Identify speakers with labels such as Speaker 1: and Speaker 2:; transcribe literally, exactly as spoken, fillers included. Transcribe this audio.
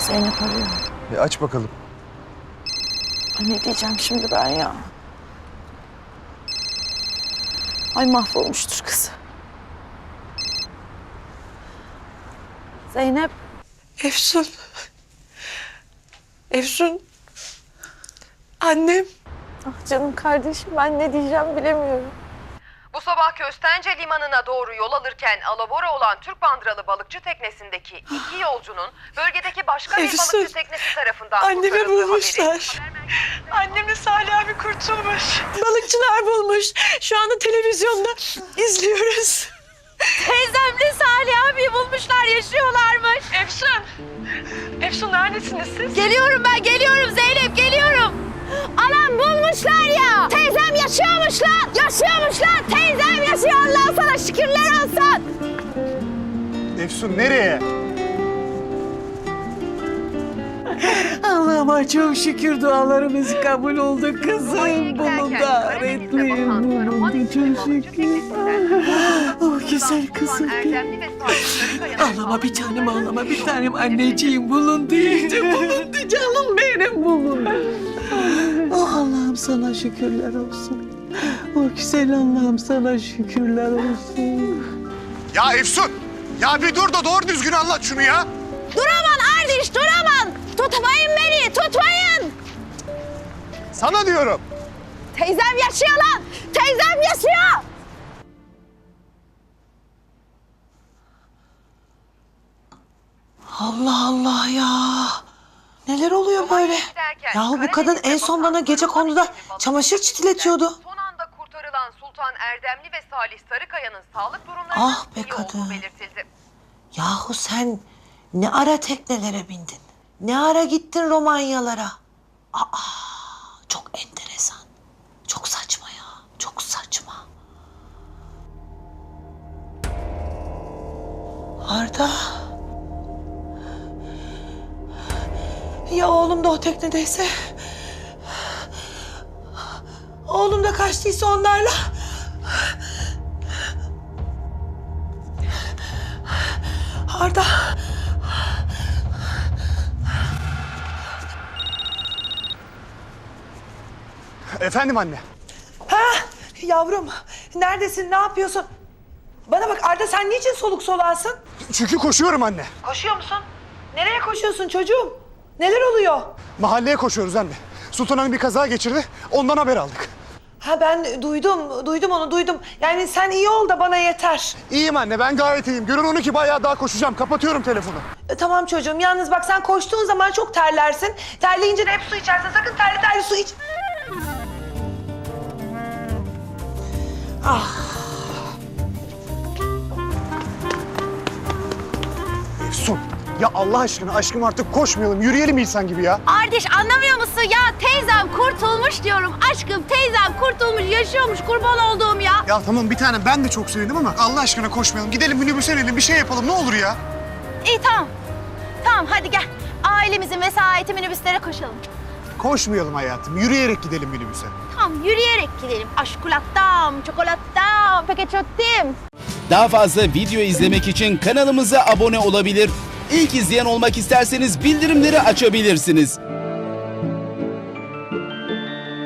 Speaker 1: Zeynep arıyor.
Speaker 2: Bir aç bakalım.
Speaker 1: Ay ne diyeceğim şimdi ben ya? Ay mahvolmuştur kız. Zeynep.
Speaker 3: Efsun. Efsun. Annem.
Speaker 1: Ah canım kardeşim, ben ne diyeceğim bilemiyorum.
Speaker 4: Bu sabah Köstence Limanı'na doğru yol alırken alabora olan Türk bandıralı balıkçı teknesindeki iki yolcunun bölgedeki başka bir
Speaker 3: Efsun,
Speaker 4: balıkçı teknesi tarafından
Speaker 3: annemi
Speaker 4: kurtarıldığı
Speaker 3: bulmuşlar. Annemle Salih abi kurtulmuş. Balıkçılar bulmuş. Şu anda televizyonda izliyoruz.
Speaker 1: Teyzemle Salih abi bulmuşlar, yaşıyorlarmış.
Speaker 3: Efsun. Efsun neredesiniz siz?
Speaker 1: Geliyorum ben, geliyorum Zeynep, geliyorum. Anam bulmuşlar ya. Teyzem yaşıyormuş lan. Yaşıyormuş lan. Teyzem yaşıyor, Allah sana şükürler olsun.
Speaker 2: Efsun nereye?
Speaker 3: Allah'ıma çok şükür dualarımız kabul oldu kızım. Bunu da öğretmeyim. Bunu da çok şükür. Oh güzel kızım. Ağlama bir tanem, ağlama bir tanem. Anneciğim bulundu iyice, bulundu canım benim, bulundu. Oh Allah'ım sana şükürler olsun. Oh güzel Allah'ım sana şükürler olsun.
Speaker 2: Ya Efsun! Ya bir dur da doğru düzgün anlat şunu ya.
Speaker 1: Duraman Ardiş, duraman. Tutmayın beni, tutmayın.
Speaker 2: Sana diyorum.
Speaker 1: Teyzem yaşıyor lan. Teyzem yaşıyor.
Speaker 3: Allah Allah ya. Neler oluyor böyle? Yahu bu kadın en son bana gece konuda çamaşır çitiletiyordu.
Speaker 4: Son anda kurtarılan Sultan Erdemli ve Salih Sarıkaya'nın sağlık durumlarının
Speaker 3: Ah be
Speaker 4: iyi olduğu
Speaker 3: kadın.
Speaker 4: belirtildi.
Speaker 3: Yahu sen ne ara teknelere bindin? Ne ara gittin Romanyalara? Aa, çok enteresan. Çok saçma ya. Çok saçma. Arda. Ya oğlum da o teknedeyse? Oğlum da kaçtıysa onlarla? Arda.
Speaker 2: Efendim anne.
Speaker 3: Ha yavrum, neredesin, ne yapıyorsun? Bana bak Arda, sen niçin soluk soluğasın?
Speaker 2: Çünkü koşuyorum anne.
Speaker 3: Koşuyor musun? Nereye koşuyorsun çocuğum? Neler oluyor?
Speaker 2: Mahalleye koşuyoruz anne. Sultan Hanım bir kaza geçirdi. Ondan haber aldık.
Speaker 3: Ha ben duydum, duydum onu duydum. Yani sen iyi ol da bana yeter.
Speaker 2: İyiyim anne, ben gayet iyiyim. Görün onu ki bayağı daha koşacağım. Kapatıyorum telefonu.
Speaker 3: E, tamam çocuğum, yalnız bak sen koştuğun zaman çok terlersin. Terleyince de hep su içersin. Sakın terli terli su iç. Ah.
Speaker 2: Efsun, ya Allah aşkına aşkım artık koşmayalım. Yürüyelim insan gibi ya.
Speaker 1: Ardiş, anlamıyor musun ya? Teyzem kurtulmuş diyorum. Aşkım teyzem kurtulmuş, yaşıyormuş, kurban olduğum ya.
Speaker 2: Ya tamam bir tanem, ben de çok sevindim ama Allah aşkına koşmayalım. Gidelim minibüse inelim, bir şey yapalım ne olur ya.
Speaker 1: İyi tamam. Tamam hadi gel. Ailemizin vesayeti minibüslere koşalım.
Speaker 2: Koşmayalım hayatım. Yürüyerek gidelim minibüse.
Speaker 1: Tamam yürüyerek gidelim. Aşkulattam, çokolattam, peketçottim.
Speaker 5: Daha fazla video izlemek için kanalımıza abone olabilir. İlk izleyen olmak isterseniz bildirimleri açabilirsiniz.